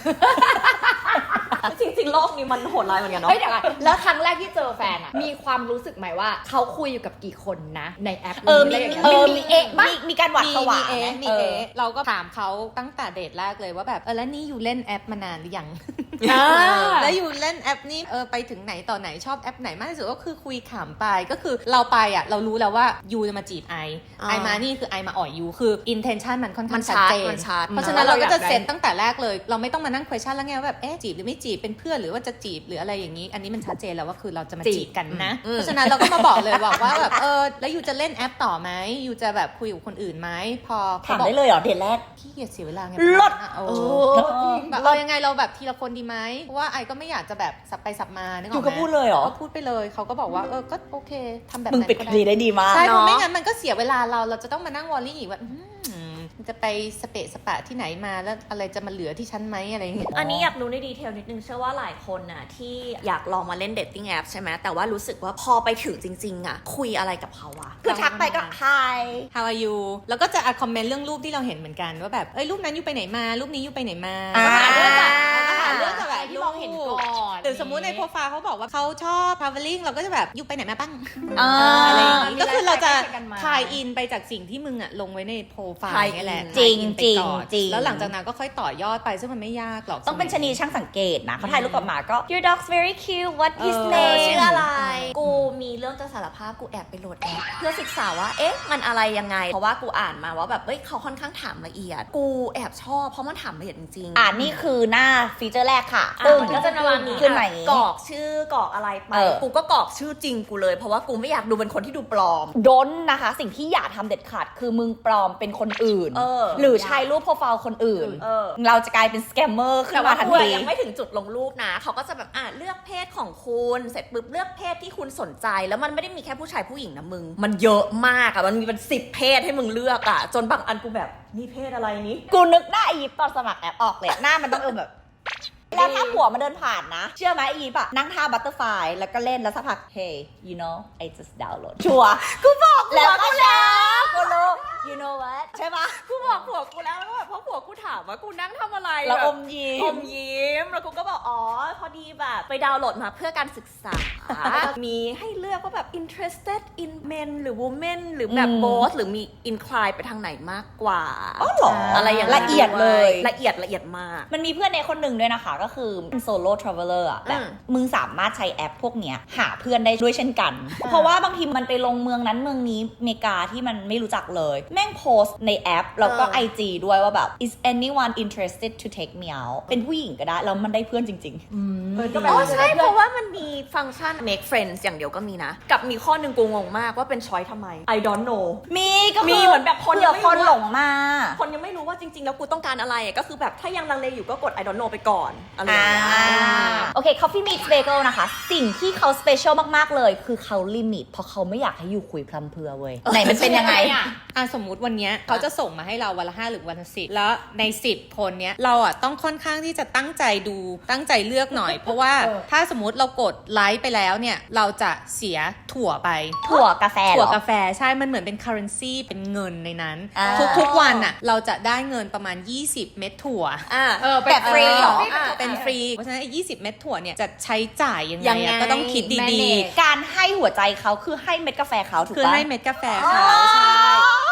[SPEAKER 4] จริงๆ โลกนี้มันโหดร้ายเหมือนกันเนาะ
[SPEAKER 2] เฮ้ยเดี๋ยวก่อนแล้วครั้งแรกที่เจอแฟนอะมีความรู้สึกไหมว่าเขาคุยอยู่กับกี่คนนะ ในแอป
[SPEAKER 1] เออมี
[SPEAKER 2] ะไรย่างงี้ย
[SPEAKER 1] เออ
[SPEAKER 2] มี
[SPEAKER 1] มี
[SPEAKER 2] เอะปะ
[SPEAKER 1] มีมีการหวัด
[SPEAKER 3] มี
[SPEAKER 1] ผวา
[SPEAKER 3] มีเอ
[SPEAKER 1] ไหม
[SPEAKER 3] มี
[SPEAKER 1] เอ
[SPEAKER 3] เอ
[SPEAKER 1] อ
[SPEAKER 3] เราก็ถามเขาตั้งแต่เดทแรกเลยว่าแบบเออแล้วนี่อยู่เล่นแอปมานานหรือยัง
[SPEAKER 2] อ่า
[SPEAKER 3] แล้วอยู่เล่นแอปนี้เออไปถึงไหนต่อไหนชอบแอปไหนมากที่สุดก็คือคุยขำไปก็คือเราไปอ่ะเรารู้แล้วว่ายูจะมาจีบไอ
[SPEAKER 4] อ่า
[SPEAKER 3] ไอมานี่คือไอมาอ่อยยูคือ intention มันค่อน
[SPEAKER 4] มั
[SPEAKER 3] ข้าง
[SPEAKER 4] น
[SPEAKER 3] ชัด
[SPEAKER 4] ชัด
[SPEAKER 3] เจน
[SPEAKER 4] มันชัด
[SPEAKER 3] เพราะฉะนั้นเราก็จะ
[SPEAKER 2] เราอยากได้
[SPEAKER 3] เซ็ตตั้งแต่แรกเลย เราไม่ต้องมานั่ง question แล้วไงว่าแบบเอ๊ะจีบหรือไม่จีบเป็นเพื่อนหรือว่าจะจีบหรืออะไรอย่างนี้ อันนี้มันชัดเจนแล้วว่าคือเราจะมาจีบกันนะ
[SPEAKER 4] อืม
[SPEAKER 3] เพราะฉะนั้นเราก็มาบอกเลยบอกว่าแบบเออแล้วยูจะเล่นแอปต่อไหมยูจะแบบคุยกับคนอื่นไหมพอเขา
[SPEAKER 1] ถาม
[SPEAKER 3] บอก
[SPEAKER 1] ได้เลยเหรอเดทแรก
[SPEAKER 3] ขี้เกียจเสียเวลาไง
[SPEAKER 1] ลด
[SPEAKER 3] โอ้
[SPEAKER 4] โอ้
[SPEAKER 3] แบบเอายังไงเราแบบทีละคนดีไหมเพราะว่าไอก็ไม่อยากจะแบบสับไปสับมานึกออก
[SPEAKER 1] อยู่
[SPEAKER 3] ไหม
[SPEAKER 1] ก็พูดเลยเหรอ
[SPEAKER 3] ก็พูดไปเลยเขาก็บอกว่าเออก็โอเคทำแบบ
[SPEAKER 1] มึง
[SPEAKER 3] นั้น
[SPEAKER 1] ปิด
[SPEAKER 3] ก็
[SPEAKER 1] คดีได้ดีมาก
[SPEAKER 3] ใช่เพราะ
[SPEAKER 4] เนอะ
[SPEAKER 3] ไม่งั้นมันก็เสียเวลาเราเราจะต้องมานั่งวอลลี่อีกว่าอืมมันจะไปสเปะสปะที่ไหนมาแล้วอะไรจะมาเหลือที่ฉันไหมอะไรอย่างเงี้ย
[SPEAKER 4] อันนี้อยากรู้ในดีเทลนิดนึงเชื่อว่าหลายคนน่ะที่อยากลองมาเล่นเดทติ้งแอปใช่ไหมแต่ว่ารู้สึกว่าพอไปถึงจริงๆอ่ะคุยอะไรกับเขาอะ
[SPEAKER 1] คือทักไปก็ hi
[SPEAKER 3] How are you แล้วก็จะอ่ะคอมเมนต์เรื่องรูปที่เราเห็นเหมือนกันว่าแบบเอ้ยรูปนั้นอยู่ไปไหนมารูปนี้อยู่ไปไหนมา
[SPEAKER 1] อ่า
[SPEAKER 3] ก็หาเรื่องจากก็หาเรื่องจากแบบ
[SPEAKER 2] ที่มองเห็นก่อน
[SPEAKER 3] หรือสมมุติในโปรไฟล์เขาบอกว่าเขาชอบ traveling เราก็จะแบบอยู่ไปไหนมาบ้าง
[SPEAKER 1] อ่า
[SPEAKER 3] อะไรอย่างงี้
[SPEAKER 2] มี
[SPEAKER 3] ก็คือเราจะ
[SPEAKER 2] ไลฟ์สไตล์กันมา
[SPEAKER 3] ทายอินไปจากสิ่งที่มึงอะลงไว้ในโปรไฟล์
[SPEAKER 4] ทายอิน
[SPEAKER 3] นี่แหละ
[SPEAKER 1] จริง
[SPEAKER 3] ทายอินไปก่อน
[SPEAKER 1] จริง
[SPEAKER 3] แล้วหลังจากนั้นก็ค่อยต่อยอดไปซึ่งมันไม่ยากหรอก
[SPEAKER 1] ต้องเป็นชะนีช่างสังเกตนะเขาถ่ายรูปกลับมาก็ your dog's very cute what his
[SPEAKER 3] เออ
[SPEAKER 4] เออ
[SPEAKER 1] name
[SPEAKER 4] ชื่ออะไร กูมีเรื่องจะสารภาพกูแอบไปโหลดแอปเพื่อศึกษาว่า เอ๊ะ มันอะไรยังไง เพราะว่ากูอ่านมาว่าแบบเอ้ยเขาค่อนข้างถามละเอียด กูแอบชอบเพราะมันถามละเอียดจริงๆ
[SPEAKER 1] อ่านี่คือหน้าฟีเจอร์แรกค่ะ
[SPEAKER 4] อ่ะ
[SPEAKER 1] ปึ้ง
[SPEAKER 4] มันก็จะประมาณนี้
[SPEAKER 1] ขึ้นมา
[SPEAKER 4] อ่ะ
[SPEAKER 1] อย่างงี้
[SPEAKER 4] กรอกชื่อกรอกอะไรไป
[SPEAKER 1] เออ
[SPEAKER 4] กูก็กรอกชื่อจริงกูเลย เพราะว่ากูไม่อยากดูเป็นคนที่ดูปลอม
[SPEAKER 1] ดนนะคะ สิ่งที่อย่าทำเด็ดขาดคือมึงปลอมเป็นคนอื่น
[SPEAKER 4] เออ
[SPEAKER 1] หรือใช้รูปโปรไฟล์คนอื่น
[SPEAKER 4] เออ
[SPEAKER 1] เราจะกลายเป็นสแกมเมอร์ขึ้
[SPEAKER 4] แต่
[SPEAKER 1] น
[SPEAKER 4] ว่า
[SPEAKER 1] มาทัน
[SPEAKER 4] กูอะ
[SPEAKER 1] ที
[SPEAKER 4] ยังไม่ถึงจุดลงรูปนะ เขาก็จะแบบอ่ะเลือกเพศของคุณ เสร็จปุ๊บเลือกเพศที่คุณสนใจ แล้วมันไม่ได้มีแค่ผู้ชายผู้หญิงนะมึง มันเยอะมากอะมันมีเป็นสิบเพศให้มึงเลือกอะจนบางอันกูแบบนี่เพศอะไรนี้
[SPEAKER 1] กูนึกหน้าอียิปต์ตอนสมัครแอปออกเลยหน้ามันต้องเออแบบ แล้วถ้าผัวมาเดินผ่านนะ เชื่อไหมอียิปต์อะนั่งท่าบัตเตอร์ไฟแล้วก็เล่นแล้วสักพัก hey you know I just download ชัวร์กูบอกแล้วก็แล้วกูรู้ you know what ใช่ปะ
[SPEAKER 4] กูบอกผัวกูแล้วแล้วแบบเพราะผัวกูถามว่ากูนั่งทำอะไร
[SPEAKER 1] แล้ว
[SPEAKER 4] แบบ
[SPEAKER 1] อมยิ้
[SPEAKER 4] อ
[SPEAKER 1] ม
[SPEAKER 4] มยิ้มแล้วกูก็บอกอ๋อพอดีแบบไปดาวน์โหลดมาเพื่อการศึกษา มีให้เลือกว่าแบบ interested in men หรือ women หรือแบบ
[SPEAKER 1] อืม
[SPEAKER 4] both หรือมี incline ไปทางไหนมากกว่า
[SPEAKER 1] อ๋อเหรอ
[SPEAKER 4] อะไรอย่างนั้น
[SPEAKER 1] ละเอียดเลย
[SPEAKER 4] ละเอียดละเอียดมาก
[SPEAKER 1] มันมีเพื่อนในคนหนึ่งด้วยนะคะ ก็คือเป็นโซโล่ทราเวลเลอร์อะแบบ
[SPEAKER 4] อืม
[SPEAKER 1] มึงสามารถใช้แอปพวกเนี้ยหาเพื่อนได้ด้วยเช่นกัน เพราะว่าบางทีมันไปลงเมืองนั้นเมืองนี้อเมริกาที่มันไม่รู้จักเลย แม่งโพสต์ในแอป แล้วก็
[SPEAKER 4] เออ
[SPEAKER 1] ไอ จี ด้วยว่าแบบ is anyone interested to take me out เป็นผู้หญิงก็ได้ แล้วมันได้เพื่อนจริง
[SPEAKER 2] เออก็แบ
[SPEAKER 4] อ๋
[SPEAKER 2] บ
[SPEAKER 4] อ
[SPEAKER 2] ว่าจะ
[SPEAKER 4] ใช่
[SPEAKER 2] ได้
[SPEAKER 4] เพ
[SPEAKER 2] เพื่อน
[SPEAKER 4] ราะว่ามันมีฟังก์ชัน make friends อย่างเดียวก็มีนะ กับมีข้อหนึ่งกูงงมากว่าเป็นช้อยทำไม I don't know
[SPEAKER 1] ๆ มีก็
[SPEAKER 4] มีเหมือนแบบคนยังไม่รู้
[SPEAKER 1] คนหลงมา
[SPEAKER 4] คนยังไม่รู้ว่าจริงๆ แล้วกูต้องการอะไรอะก็คือแบบถ้ายังลังเลอยู่ก็กด I don't know ไปก่อนอะไรอย่างเงี้ย
[SPEAKER 1] อ่าโอเค Coffee Meets Bagel นะคะ สิ่งที่เขาสเปเชียลมากๆเลยคือเขาลิมิตเพราะเขาไม่อยากให้อยู่คุยพลัมเพรื่อเว้ยไหนมันเป็นยังไง
[SPEAKER 2] อ่ะ
[SPEAKER 3] อ่ะสมมุติวันเนี้ยเขาจะส่งมาให้เราวันละห้าหรือวันละสิบแล้วในสิบคนเนี้ยเราอ่ะต้องค่อนข้างที่จะตั้งใจดูตั้งใจเลือกหน่อย เพราะว่า
[SPEAKER 2] เออ
[SPEAKER 3] ถ้าสมมติเรากดไลค์ไปแล้วเนี่ยเราจะเสียถั่วไป
[SPEAKER 1] ถั่วกาแฟเห
[SPEAKER 3] ถั่
[SPEAKER 1] ร
[SPEAKER 3] ว
[SPEAKER 1] อ
[SPEAKER 3] กาแฟใช่ มันเหมือนเป็น currency เป็นเงินในนั้น
[SPEAKER 1] อ่า
[SPEAKER 3] ทุกทุกวันอ่ะเราจะได้เงินประมาณ ยี่สิบ เม็ดถั่ว
[SPEAKER 4] อ่า
[SPEAKER 2] เออเป็น
[SPEAKER 1] แบบฟรีเหรอ
[SPEAKER 2] อ่ะ
[SPEAKER 3] เป็นฟรี เพราะฉะนั้นไอ้ยี่สิบ เม็ดถั่วเนี่ยจะใช้จ่ายยังไง
[SPEAKER 4] ยังไง
[SPEAKER 3] อะก็ต้องคิดดี
[SPEAKER 2] manage
[SPEAKER 3] ๆ
[SPEAKER 1] การให้หัวใจเขาคือให้เม็ดกาแฟเขาถูก
[SPEAKER 3] คือ
[SPEAKER 1] ปะ
[SPEAKER 3] ให้เม็ดกาแฟเขาใช่ เพราะฉะนั้น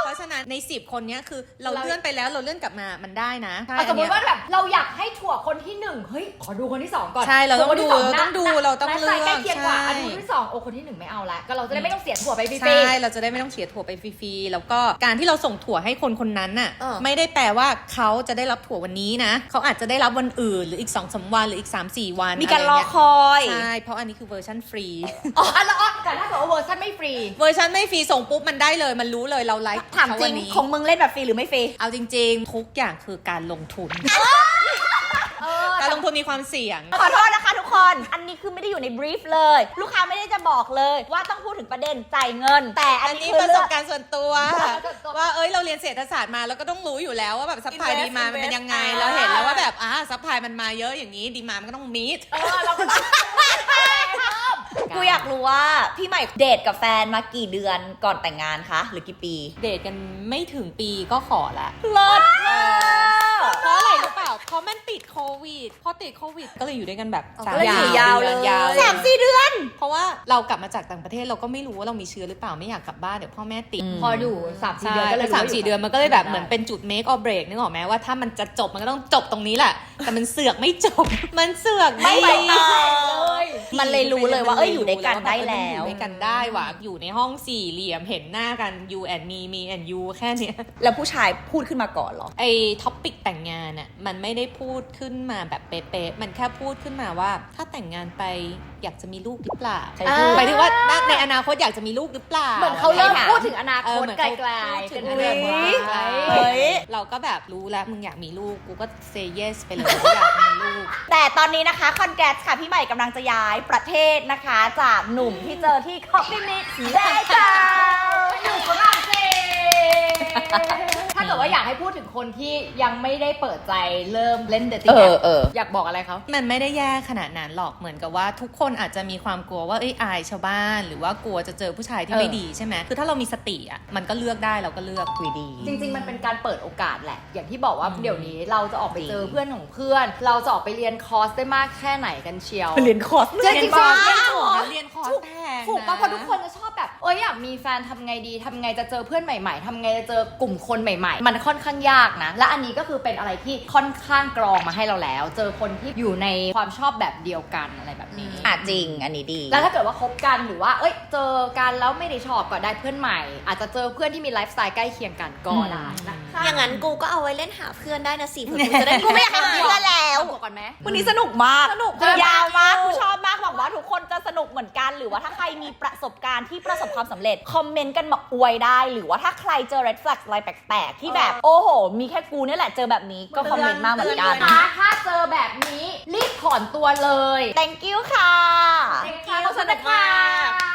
[SPEAKER 3] ในสิบคนเนี้ยคือเราเลื่อนไปแล้วเราเลื่อนกลับมามันได้นะ
[SPEAKER 2] เอาสมมติว่าแบบเราอยากให้ถั่วคนที่หนึ่งเฮ้ยขอดูคนที่สองก่อน
[SPEAKER 3] ใช่เราต้อง
[SPEAKER 2] คน
[SPEAKER 3] ดู
[SPEAKER 2] ที่ส
[SPEAKER 3] เราต้องดูเราต้องเลือก
[SPEAKER 2] ใกล้เคียงกว่า
[SPEAKER 3] ใช่
[SPEAKER 2] อันนี้คนที่สองโอ้คนที่หนึ่งไม่เอาละก็เราจะได้ไม่ต้องเสียถั่วไปฟรี
[SPEAKER 3] ใช่เราจะได้ไม่ต้องเสียถั่วไปฟรีๆแล้วก็การที่เราส่งถั่วให้คนคนนั้นน่ะ
[SPEAKER 4] เออ
[SPEAKER 3] ไม่ได้แปลว่าเขาจะได้รับถั่ววันนี้นะเขาอาจจะได้รับวันอื่นหรืออีก สองสาม วันหรืออีก สามสี่ วัน
[SPEAKER 1] มีการรอ
[SPEAKER 3] อะไเงี้ย
[SPEAKER 1] คอย
[SPEAKER 3] ใช่เพราะอันนี้คือเวอร์ชันฟรี
[SPEAKER 2] อ๋ออันละอ๋อแต่ถ้าเกิดว่าเวอร์ชันไม่ฟรี
[SPEAKER 3] เวอร์ชันไม่ฟรีส่งปุ๊บมันได้เลยมันรู้เลยเราไลฟ์
[SPEAKER 1] ถามจริง
[SPEAKER 3] เขวันนี้
[SPEAKER 1] ของมึงเล่นแบบฟรีหรือไม่ฟรี
[SPEAKER 3] เอาจริงๆ ทุกอย่างคือการลงทุน
[SPEAKER 2] เออ
[SPEAKER 3] การลงทุนมีความเสี่ยง
[SPEAKER 1] ขอโทษนะคะทุกคน อันนี้คือไม่ได้อยู่ในบรีฟเลย ลูกค้าไม่ได้จะบอกเลยว่าต้องพูดถึงประเด็นจ่ายเงิน แต่อั
[SPEAKER 3] อั
[SPEAKER 1] น
[SPEAKER 3] น
[SPEAKER 1] นี้
[SPEAKER 3] นี้
[SPEAKER 1] คือ
[SPEAKER 3] ประส
[SPEAKER 1] เรื่
[SPEAKER 3] บ
[SPEAKER 1] อง
[SPEAKER 3] การณ์ส่วนตัว ว่าเอ้ยเราเรียนเศรษฐศาสตร์มาแล้วก็ต้องรู้อยู่แล้วว่าแบบซัพพลาย
[SPEAKER 4] Invest
[SPEAKER 3] ดีมามันเป็นยังไง
[SPEAKER 4] invest
[SPEAKER 3] เราเห็นแล้วว่าแบบอ่าซัพพลายมันมาเยอะอย่างนี้ดีมามันก็ต้องมีด
[SPEAKER 2] เออเราก็ต้อง
[SPEAKER 1] กูอยากรู้ว่าพี่ใหม่เดทกับแฟนมากี่เดือนก่อนแต่งงานคะ หรือกี่ปี
[SPEAKER 3] เดทกันไม่ถึงปีก็ขอละ
[SPEAKER 1] เลิศ
[SPEAKER 3] เพราะอะไรรู้เปล่าเพราะมันติดโควิดพอติดโควิดก็เลยอยู่ด้วยกันแบบ
[SPEAKER 1] ก็เลยอยู่ยาวเลย
[SPEAKER 3] ยาว
[SPEAKER 1] สามสี่เดือน
[SPEAKER 3] เพราะว่าเรากลับมาจากต่างประเทศเราก็ไม่รู้ว่าเรามีเชื้อหรือเปล่าไม่อยากกลับบ้านเดี๋ยวพ่อแม่ติด
[SPEAKER 1] อืม
[SPEAKER 2] พออยู่สามสี่
[SPEAKER 3] ใช่
[SPEAKER 2] เดือนก็เลย
[SPEAKER 3] สามสี่เดือนมันก็เลยแบบเหมือน
[SPEAKER 2] ได้
[SPEAKER 3] เป็นจุด make or break นึกออกไหมว่าถ้ามันจะจบมันก็ต้องจบตรงนี้แหละ แต่มันเสือกไม่จบ มันเสือก
[SPEAKER 1] ไม่ไปต่อ
[SPEAKER 2] เลย
[SPEAKER 1] มันเลยรู้เลยว่าเอ้ยอยู่ด้วยกันได้แล้ว
[SPEAKER 3] อยู่ด้วยกันได้ว่ะอยู่ในห้องสี่เหลี่ยมเห็นหน้ากัน you and me me and you แค่เนี้ย
[SPEAKER 1] แล้วผู้ชายพูดขึ้นมาก่อนเหรอ
[SPEAKER 3] ไอ้ท็อปิกแต่งงานอ่ะมันไม่ได้พูดขึ้นมาแบบเป๊ะๆมันแค่พูดขึ้นมาว่าถ้าแต่งงานไปอยากจะมีลูกหรือเปล่า
[SPEAKER 1] ใช่พูด
[SPEAKER 3] หมายถึงว่าในอนาคตอยากจะมีลูกหรือเปล่า
[SPEAKER 2] เหมือนเขาเริ่ม
[SPEAKER 3] อะไร
[SPEAKER 2] พูด
[SPEAKER 3] งี้ย
[SPEAKER 2] ถึงอนา
[SPEAKER 3] เอ
[SPEAKER 2] ค
[SPEAKER 3] อ
[SPEAKER 2] ต
[SPEAKER 3] เหมือน
[SPEAKER 2] ไกล
[SPEAKER 3] เขา
[SPEAKER 2] ๆ
[SPEAKER 3] พูดถึ
[SPEAKER 2] เป็น
[SPEAKER 3] ง
[SPEAKER 2] เรื่อง
[SPEAKER 3] อนาคต
[SPEAKER 2] ไกล
[SPEAKER 1] เฮ้ย
[SPEAKER 3] เราก็แบบรู้แล้วมึงอยากมีลูกกูก็ say yes ไปเลยว่าอยากมีลูก
[SPEAKER 1] แต่ตอนนี้นะคะคอนแกรสค่ะพี่ใหม่กำลังจะย้ายประเทศนะคะ จากหนุ่มที่เจอที่คอฟฟี่มิกได้จ้า
[SPEAKER 2] อยู่ฝรั่งเศสถ้าเกิดว่าอยากให้พูดถึงคนที่ยังไม่ได้เปิดใจเริ่มเล่นเดทติ้
[SPEAKER 1] เอง อ
[SPEAKER 2] แอป
[SPEAKER 1] เออ
[SPEAKER 2] อยากบอกอะไรเขา
[SPEAKER 3] มันไม่ได้แย่ขนาดนั้นหรอกเหมือนกับว่าทุกคนอาจจะมีความกลัวว่าเอ้ยอายชาวบ้าน หรือว่ากลัวจะเจอผู้ชายที่
[SPEAKER 2] เออ
[SPEAKER 3] ไม่ดีใช่ไหมคือถ้าเรามีสติอ่ะมันก็เลือกได้เราก็เลือกคุยดี
[SPEAKER 2] จริง ๆ มันเป็นการเปิดโอกาสแหละ อย่างที่บอกว่า
[SPEAKER 3] อืม
[SPEAKER 2] เดี๋ยวนี้เราจะออกไปเจอ
[SPEAKER 3] จริง
[SPEAKER 2] เพื่อนของเพื่อน เราจะออกไปเรียนคอร์สได้มากแค่ไหนกันเชียว
[SPEAKER 1] เรียนคอร์ส
[SPEAKER 2] จริงๆ
[SPEAKER 3] เรียนคอร์ส
[SPEAKER 2] จริงๆ
[SPEAKER 3] ถูกนะเรียนคอร์สแพง
[SPEAKER 2] ถูกปะ
[SPEAKER 3] น
[SPEAKER 2] เพราะทุกคนจะชอบแบบเอ้ยอยากมีแฟนทำไงดีทำไงจะเจอเพื่อนใหม่ ๆทำไงจะเจอกลุ่มคนใหม่ ๆ มันค่อนข้างยากนะ และอันนี้ก็คือเป็นอะไรที่ค่อนข้างกรองมาให้เราแล้ว เจอคนที่อยู่ในความชอบแบบเดียวกันอะไรแบบนี้
[SPEAKER 1] อ่ะจริง อันนี้ดี
[SPEAKER 2] แล้วถ้าเกิดว่าคบกันหรือว่า เอ้ย เจอกันแล้วไม่ได้ชอบก็ได้เพื่อนใหม่ อาจจะเจอเพื่อนที่มีไลฟ์สไตล์ใกล้เคียงกันก็ได้นะคะ
[SPEAKER 4] อย่างนั้นกูก็เอาไว้เล่นหาเพื่อนได้นะสิเผื่อกูจะได้
[SPEAKER 1] กูไม่อยากให้มีเพื่อนแล้ว
[SPEAKER 2] บอกก่อนไหม
[SPEAKER 1] วันนี้สนุกมาก
[SPEAKER 2] สนุก
[SPEAKER 1] ยาวมากกูชอบมากหวังว่าทุกคนจะสนุกเหมือนกัน หรือว่าถ้าใครมีประสบการณ์ที่ประสบความสำเร็จ คอมเมนต์กันมาอวยได้ หรือว่าถ้าใครเจอ red flag อะไรแปลกๆ ที่แบบ โอ้โห มีแค่กูเนี่ยแหละเจอแบบนี้ก็คอมเมนต์มาเหมือนกัน
[SPEAKER 2] นะคะถ้าเจอแบบนี้รีบถอนตัวเลย
[SPEAKER 1] thank you ค่ะ
[SPEAKER 2] ขอบคุณค่ะ